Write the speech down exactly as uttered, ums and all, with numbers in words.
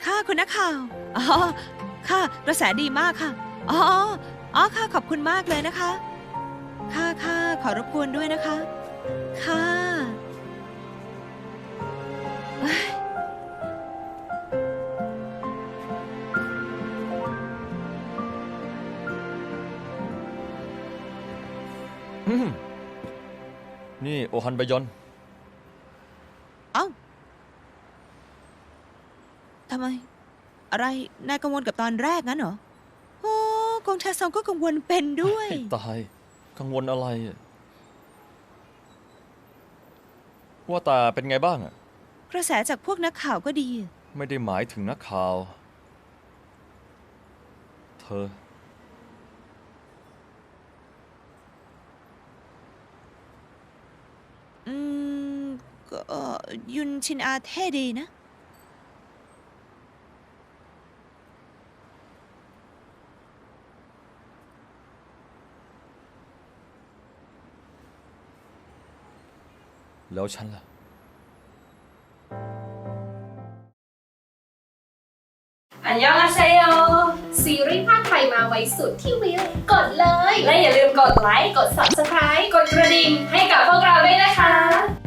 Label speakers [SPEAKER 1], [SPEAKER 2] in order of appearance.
[SPEAKER 1] ค่ะคุณนักข่าวอ๋อค่ะกระแสดีมากค่ะอ๋ออ๋อค่ะขอบคุณมากเลยนะคะค่ะค่ะขอรบกวนด้วยนะคะค่ะเอ้ย
[SPEAKER 2] อืมนี่โอฮันบยอน
[SPEAKER 1] เอ้าทำไมอะไรนายกังวลกับตอนแรกงั้นเหรอโอ้กงชาซองก็กังวลเป็นด้วย
[SPEAKER 2] ให้ตาย กังวลอะไรอะว่าแต่เป็นไงบ้างอะ
[SPEAKER 1] กระแสจากพวกนักข่าวก็ดี
[SPEAKER 2] ไม่ได้หมายถึงนักข่าว เธอ
[SPEAKER 1] อืมก็ยุนชินอาเท่ดีนะ
[SPEAKER 2] แล้วฉันล่ะ
[SPEAKER 3] อันยองอาเซโย
[SPEAKER 4] ซีรีส์ภาคไทยมาไว้สุดที่วิวกดเลย
[SPEAKER 3] และอย่าลืมกดไลค์ กด ซับสไครบ์ กดกระดิ่งให้กับพวกเราด้วยนะคะ